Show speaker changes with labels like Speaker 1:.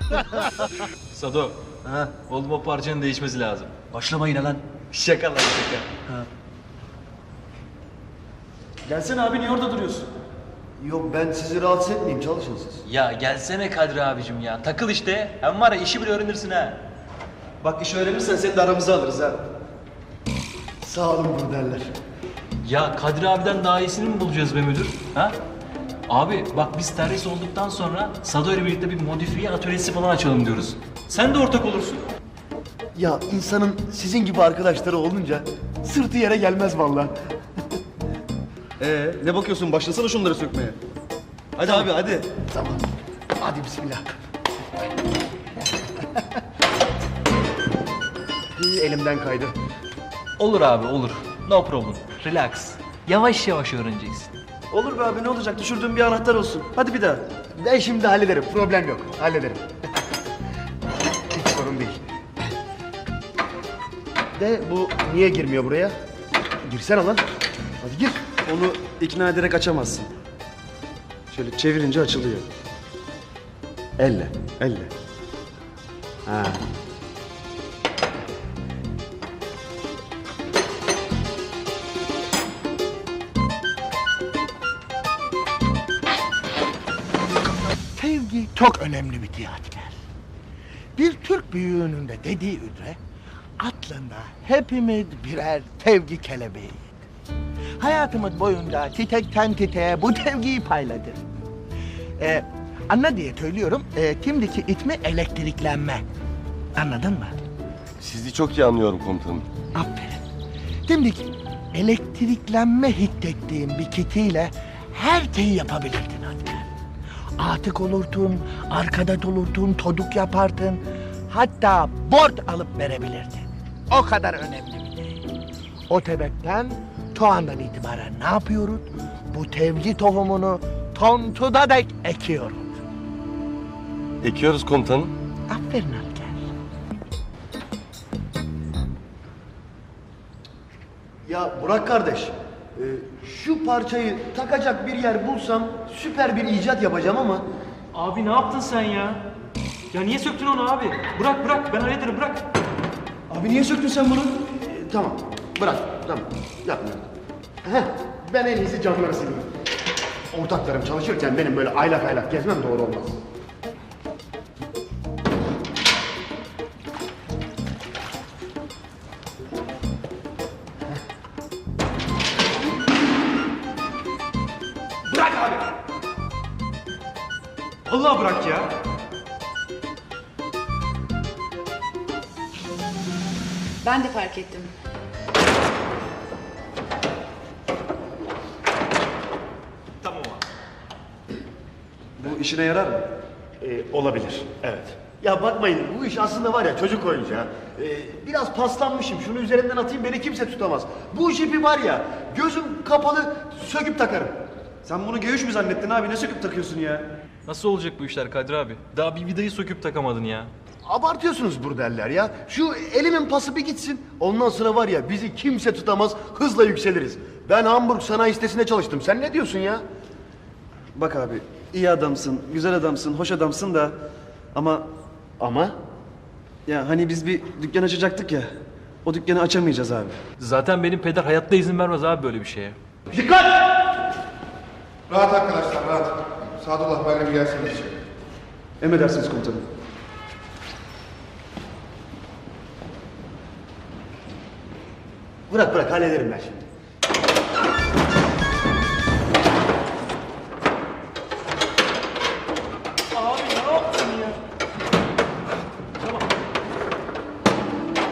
Speaker 1: Sado,
Speaker 2: Ha?
Speaker 1: oğlum o parçanın değişmesi lazım.
Speaker 2: Başlama yine lan.
Speaker 1: Şaka lan şaka.
Speaker 2: Gelsene abi, niye orada duruyorsun?
Speaker 3: Yok ben sizi rahatsız etmeyeyim, çalışın siz.
Speaker 1: Ya gelsene Kadri abicim ya. Takıl işte. Hem var ya işi bile öğrenirsin ha.
Speaker 2: Bak iş öğrenirsen seni de aramıza alırız ha.
Speaker 3: Sağ olun burderler.
Speaker 1: Ya Kadri abiden daha iyisini mi bulacağız be müdür? Ha? Abi bak biz terhis olduktan sonra Sado ile birlikte bir modifiye atölyesi falan açalım diyoruz. Sen de ortak olursun.
Speaker 3: Ya insanın sizin gibi arkadaşları olunca sırtı yere gelmez vallahi.
Speaker 2: Ne bakıyorsun? Başlasana şunları sökmeye. Hadi abi hadi.
Speaker 3: Tamam. Hadi bismillah. Elimden kaydı.
Speaker 1: Olur abi olur. No problem. Relax. Yavaş yavaş öğreneceksin.
Speaker 2: Olur be abi, ne olacak? Düşürdüğün bir anahtar olsun. Hadi bir daha.
Speaker 3: Ben şimdi hallederim. Problem yok. Hallederim. Hiç sorun değil. De bu niye girmiyor buraya? Girsene lan. Hadi gir.
Speaker 2: Onu ikna ederek açamazsın. Şöyle çevirince açılıyor.
Speaker 3: Elle.
Speaker 2: Elle.
Speaker 3: Ha.
Speaker 4: Sevgi çok önemli bir tiyatrodur. Bir Türk büyüğünün de dediği üzere aslında hepimiz birer sevgi kelebeğiyiz. Hayatımız boyunca çiçekten çiçeğe bu sevgiyi payladık. Anla diye söylüyorum, şimdiki ismi elektriklenme. Anladın mı?
Speaker 5: Sizi çok iyi anlıyorum komutanım.
Speaker 4: Aferin. Şimdi elektriklenme hissettiğin bir kişiyle her şeyi yapabilirdin asker. Atık olurdun, arkadaş olurdun, çocuk yapardın. Hatta borç alıp verebilirdin. O kadar önemli bir şey. O sebepten şu andan itibaren ne yapıyoruz? Bu sevgi tohumunu sonsuza dek ekiyoruz.
Speaker 5: Ekiyoruz komutanım.
Speaker 4: Aferin asker.
Speaker 3: Ya Burak kardeş, şu parçayı takacak bir yer bulsam süper bir icat yapacağım ama
Speaker 6: Abi ne yaptın sen ya? Ya niye söktün onu abi? Bırak bırak ben hallederim bırak.
Speaker 3: abi niye söktün sen bunu? Tamam, bırak, tamam, yapmıyorum. Heh, ben en iyisi camları sileyim. Ortaklarım çalışırken benim böyle aylak aylak gezmem doğru olmaz.
Speaker 6: Bırak abi. Allah bırak ya.
Speaker 7: Ben de fark ettim.
Speaker 6: Tamam abi.
Speaker 2: Bu işine yarar mı?
Speaker 3: Olabilir, evet. Ya bakmayın, bu iş aslında var ya çocuk oyuncağı. Biraz paslanmışım, şunu üzerinden atayım beni kimse tutamaz. Bu jipi var ya, gözüm kapalı söküp takarım.
Speaker 2: Sen bunu G3 mü zannettin abi? Ne söküp takıyorsun ya?
Speaker 1: Nasıl olacak bu işler Kadri abi? Daha bir vidayı söküp takamadın ya.
Speaker 3: Abartıyorsunuz burderler ya. Şu elimin pası bir gitsin. Ondan sonra var ya bizi kimse tutamaz, hızla yükseliriz. Ben Hamburg sanayi sitesinde çalıştım. Sen ne diyorsun ya?
Speaker 2: Bak abi, iyi adamsın, güzel adamsın, hoş adamsın da... Ama
Speaker 3: Ama
Speaker 2: ya hani biz bir dükkan açacaktık ya. O dükkanı açamayacağız abi.
Speaker 1: Zaten benim peder hayatta izin vermez abi böyle bir şeye.
Speaker 3: dikkat!
Speaker 8: Rahat arkadaşlar, rahat. Sadullah benimle bir gelseniz.
Speaker 2: Emredersiniz komutanım.
Speaker 3: Bırak hallederim ben şimdi.